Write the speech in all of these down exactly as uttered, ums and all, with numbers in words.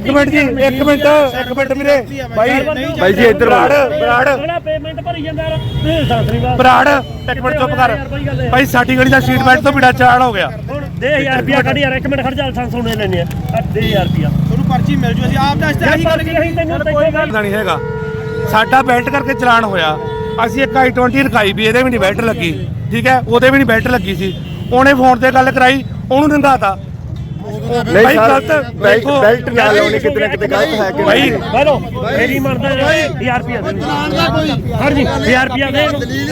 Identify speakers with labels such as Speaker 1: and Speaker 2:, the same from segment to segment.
Speaker 1: ਇੱਕ ਮਿੰਟ ਜੀ ਇੱਕ ਮਿੰਟ ਇੱਕ ਮਿੰਟ ਵੀਰੇ ਬਾਈ
Speaker 2: ਬਾਈ ਜੀ ਇੱਧਰ
Speaker 1: ਬਰਾੜ ਬਰਾੜ
Speaker 3: ਪੇਮੈਂਟ ਭਰੀ ਜਾਂਦਾ ਯਾਰ ਸਾਸਰੀ ਬਾਤ
Speaker 1: ਬਰਾੜ ਇੱਕ ਮਿੰਟ ਚੁੱਪ ਕਰ ਬਾਈ ਸਾਡੀ ਗਲੀ ਦਾ ਸੀਟ ਬੈਲਟ ਤੋਂ ਬਿਨਾਂ ਚਾਲ ਹੋ ਗਿਆ
Speaker 3: ਦੇ ਹਜ਼ਾਰ ਰੁਪਿਆ ਕੱਢ ਯਾਰ ਇੱਕ ਮਿੰਟ ਖੜ ਜਾ ਲਾਇਸੈਂਸ ਹੋਣੇ ਲੈਣੇ ਆ ਦੇ ਹਜ਼ਾਰ ਰੁਪਿਆ
Speaker 4: ਤੁਹਾਨੂੰ ਪਰਚੀ ਮਿਲ ਜੂ ਅਸੀਂ ਆਪ ਦਾ ਇਸ
Speaker 3: ਆਹੀ ਗੱਲ ਕਹੀ ਤੈਨੂੰ ਕੋਈ ਗੱਲ
Speaker 1: ਨਹੀਂ ਹੈਗਾ ਸਾਡਾ ਬੈਲਟ ਕਰਕੇ ਚਲਾਨ ਹੋਇਆ ਅਸੀਂ ਇੱਕ ਆਈ ਟਵੰਟੀ ਰਖਾਈ ਵੀ ਇਹਦੇ ਵੀ ਨਹੀਂ ਬੈਲਟ ਲੱਗੀ ਠੀਕ ਹੈ ਉਹਦੇ ਵੀ ਨਹੀਂ ਬੈਲਟ ਲੱਗੀ ਸੀ ਉਹਨੇ ਫੋਨ ਤੇ ਗੱਲ ਕਰਾਈ ਉਹਨੂੰ ਨੰਗਾਤਾ
Speaker 2: ਨਹੀਂ ਸਰ ਬੈਲਟ ਨਾਲ ਲਾਉਣੀ ਕਿਤੇ ਨਾ ਕਿਤੇ ਗਲਤ ਹੈ ਕਿ
Speaker 1: ਭਾਈ
Speaker 3: ਬੈਲੋ ਮੇਰੀ ਮਰਦਾ ਹਜ਼ਾਰ ਰੁਪਿਆ ਦੇ ਹਰ ਜੀ ਹਜ਼ਾਰ ਰੁਪਿਆ ਦੇ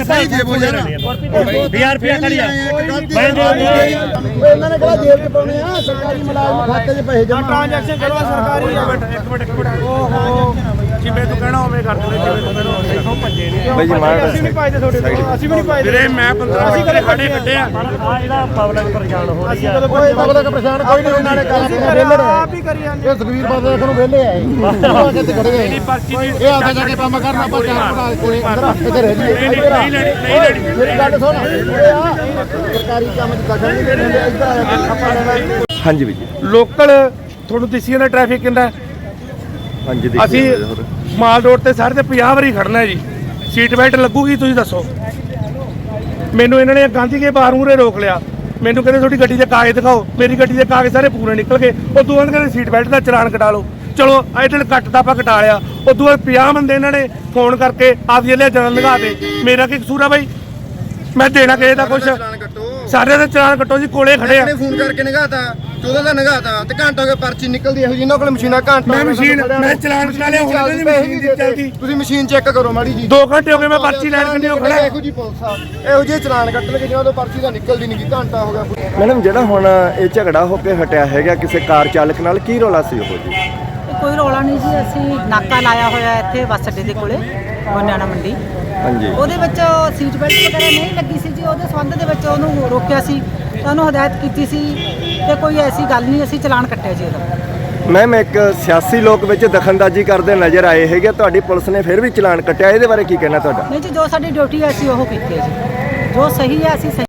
Speaker 3: ਹਜ਼ਾਰ ਰੁਪਿਆ ਕਰ ਯਾਰ ਮੈਂ ਦੇ
Speaker 5: ਇਹਨਾਂ ਨੇ ਕਿਹਾ ਜੇਬ 'ਚ ਪਾਉਣੇ ਆ ਸਰਕਾਰੀ ਮੁਲਾਜ਼ਮ ਖਾਤੇ 'ਚ ਪੈਸੇ ਜਮ੍ਹਾਂ
Speaker 4: ਟ੍ਰਾਂਜੈਕਸ਼ਨ ਕਰਵਾ ਸਰਕਾਰੀ ਆ
Speaker 1: ਇੱਕ ਮਿੰਟ ਇੱਕ ਮਿੰਟ ਓਹੋ ਜਿਵੇਂ ਤੂੰ ਕਹਿਣਾ ਉਵੇਂ ਕਰ ਦੇ ਜਿਵੇਂ ਤੂੰ ਕਹਿਣਾ ਦੇਖੋ ਭੱਜੇ ਨਹੀਂ
Speaker 2: ਬਾਈ ਜੀ ਮਾਰ
Speaker 4: ਅਸੀਂ ਵੀ ਪਾਈਦੇ ਤੁਹਾਡੇ ਕੋਲ ਅਸੀਂ ਵੀ ਨਹੀਂ ਪਾਈਦੇ
Speaker 1: ਵੀਰੇ ਮੈਂ ਪੰਦਰਾਂ ਅਸੀਂ ਕਦੇ ਖੜੇ ਕੱਢੇ ਆ
Speaker 3: ਆ ਜਿਹੜਾ ਪਬਲਿਕ ਪਰੇਸ਼ਾਨ ਹੋ ਰਹੀ ਆ
Speaker 5: ਕੋਈ ਪਬਲਿਕ ਪਰੇਸ਼ਾਨ ਕੋਈ ਨਹੀਂ ਉਹਨਾਂ ਨੇ ਕੰਮ ਵਿਹਲੇ
Speaker 4: ਆਪ ਹੀ ਕਰੀ ਜਾਂਦੇ
Speaker 5: ਇਹ ਸੁਖਵੀਰ ਬਾਦਲ ਨੂੰ ਵਿਹਲੇ ਆਏ ਉਹ ਕਿੱਥੇ ਖੜੇ ਗਏ
Speaker 1: ਨਹੀਂ ਪਰਚੀ ਦੀ
Speaker 5: ਇਹ ਆਖੇ ਜਾ ਕੇ ਕੰਮ ਕਰਨਾ ਆਪਾਂ ਚਾਰ ਬਣਾ ਕੋਲੇ ਇੱਧਰ ਰਹਿ ਜੀ
Speaker 1: ਨਹੀਂ ਨਹੀਂ ਲੈਣੀ ਨਹੀਂ ਲੈਣੀ
Speaker 5: ਮੇਰੀ ਗੱਲ ਸੁਣ ਇਹ ਆ ਸਰਕਾਰੀ ਕੰਮ 'ਚ ਦਖਲ ਨਹੀਂ ਦਿੰਦੇ ਇੱਧਰ ਆ ਕੇ ਆਪਾਂ ਲੈਣਾ
Speaker 2: ਹਾਂਜੀ ਬਾਈ ਜੀ
Speaker 1: ਲੋਕਲ ਤੁਹਾਨੂੰ ਦਿਸੀ ਜਾਂਦਾ ਟ੍ਰੈਫਿਕ ਕਿੰਨਾ
Speaker 2: ਹਾਂਜੀ ਦੇਖੋ
Speaker 1: ਅਸੀਂ ਮਾਲ ਰੋਡ ਤੇ ਸਾਰੇ ਤੇ ਪੰਜਾਹ ਵਾਰੀ ਖੜਨਾ ਜੀ ਸੀਟ ਬੈਲਟ ਲੱਗੂਗੀ ਤੁਸੀਂ ਦੱਸੋ ਮੈਨੂੰ ਇਹਨਾਂ ਨੇ ਗਾਂਧੀ ਕੇ ਬਾਹਰ ਮੂਹਰੇ ਰੋਕ ਲਿਆ ਮੈਨੂੰ ਕਹਿੰਦੇ ਤੁਹਾਡੀ ਗੱਡੀ ਦੇ ਕਾਗਜ਼ ਦਿਖਾਓ ਮੇਰੀ ਗੱਡੀ ਦੇ ਕਾਗਜ਼ ਸਾਰੇ ਪੂਰੇ ਨਿਕਲ ਗਏ ਉਦੋਂ ਬਾਅਦ ਕਹਿੰਦੇ ਸੀਟ ਬੈਲਟ ਦਾ ਚਲਾਨ ਕਟਾ ਲਓ ਚਲੋ ਇਹਦੇ ਕੱਟ ਤਾਂ ਆਪਾਂ ਕਟਾ ਲਿਆ ਉਦੋਂ ਬਾਅਦ ਪੰਜਾਹ ਬੰਦੇ ਇਹਨਾਂ ਨੇ ਫੋਨ ਕਰਕੇ ਆਪਦੀ ਲੈ ਜਨਨ ਲਗਾ ਦੇ ਮੇਰਾ ਕੀ ਕਸੂਰ ਆ ਬਾਈ ਮੈਂ ਦੇਣਾ ਕਿਸੇ ਦਾ ਕੁਛ ਸਾਰੇ ਦਾ ਚਲਾਨ ਕੱਟੋ ਜੀ ਕੋਲੇ ਖੜੇ ਆ
Speaker 5: ਫੋਨ ਕਰਕੇ ਨਗਾਤਾ ਚੌਦਾਂ ਦਾ ਨਗਾਤਾ ਤੇ ਘੰਟਾ ਹੋ ਗਿਆ ਪਰਚੀ ਨਿਕਲਦੀ ਇਹੋ ਜਿਹੀ ਇਹਨਾਂ ਕੋਲ ਮਸ਼ੀਨਾਂ ਘੰਟਾ
Speaker 1: ਮੈਂ ਮਸ਼ੀਨ ਮੈਂ ਚਲਾਨ ਕਟਾ ਲਿਆ ਹੁਣ ਨਹੀਂ ਮਸ਼ੀਨ ਦੀ ਚੱਲਦੀ
Speaker 5: ਤੁਸੀਂ ਮਸ਼ੀਨ ਚੈੱਕ ਕਰੋ ਮਾੜੀ ਜੀ
Speaker 1: ਦੋ ਘੰਟੇ ਹੋ ਗਏ ਮੈਂ ਪਰਚੀ ਲੈਣ ਕੰਨੀ ਖੜਾ
Speaker 5: ਇਹੋ ਜੀ ਪੁਲਿਸ ਆ ਇਹੋ ਜਿਹੇ ਚਲਾਨ ਕੱਟ ਲਗੇ ਜਿਹਨਾਂ ਤੋਂ ਪਰਚੀ ਦਾ ਨਿਕਲਦੀ ਨਹੀਂ ਘੰਟਾ ਹੋ ਗਿਆ
Speaker 2: ਮੈਡਮ ਜਿਹੜਾ ਹੁਣ ਇਹ ਝਗੜਾ ਹੋ ਕੇ ਹਟਿਆ ਹੈਗਾ ਕਿਸੇ ਕਾਰ ਚਾਲਕ ਨਾਲ ਕੀ ਰੌਲਾ ਸੀ ਉਹ ਜੀ
Speaker 6: ਕੋਈ ਰੌਲਾ ਨਹੀਂ ਜੀ ਅਸੀਂ ਨਾਕਾ ਲਾਇਆ ਹੋਇਆ ਇੱਥੇ ਬੱਸ ਅੱਡੇ ਦੇ ਕੋਲੇ ਗੋਨਿਆਣਾ ਮੰਡੀ
Speaker 2: ਹਾਂਜੀ
Speaker 6: ਉਹਦੇ ਵਿੱਚ ਸੀਟ ਬੈਲਟ ਵਗੈਰਾ ਨਹੀਂ ਲੱਗੀ ਸੀ ਜੀ ਉਹਦੇ ਸੰਬੰਧ ਦੇ ਵਿੱਚ ਉਹਨੂੰ ਰੋਕਿਆ ਸੀ ਤਾਂ ਉਹਨੂੰ ਹਦਾਇਤ ਕੀਤੀ ਸੀ ਤੇ ਕੋਈ ਐਸੀ ਗੱਲ ਨਹੀਂ ਅਸੀਂ ਚਲਾਨ ਕੱਟਿਆ ਜੀ ਉਹਦਾ
Speaker 2: ਮੈਮ ਇੱਕ ਸਿਆਸੀ ਲੋਕ ਵਿੱਚ ਦਖਲਅੰਦਾਜ਼ੀ ਕਰਦੇ ਨਜ਼ਰ ਆਏ ਹੈਗੇ ਤੁਹਾਡੀ ਪੁਲਿਸ ਨੇ ਫਿਰ ਵੀ ਚਲਾਨ ਕੱਟਿਆ ਇਹਦੇ ਬਾਰੇ ਕੀ ਕਹਿਣਾ ਤੁਹਾਡਾ
Speaker 6: ਨਹੀਂ ਜੀ ਜੋ ਸਾਡੀ ਡਿਊਟੀ ਹੈ ਅਸੀਂ ਉਹ ਕੀਤੀ ਹੈ ਜੀ ਜੋ ਸਹੀ ਹੈ ਅਸੀਂ ਸਹੀ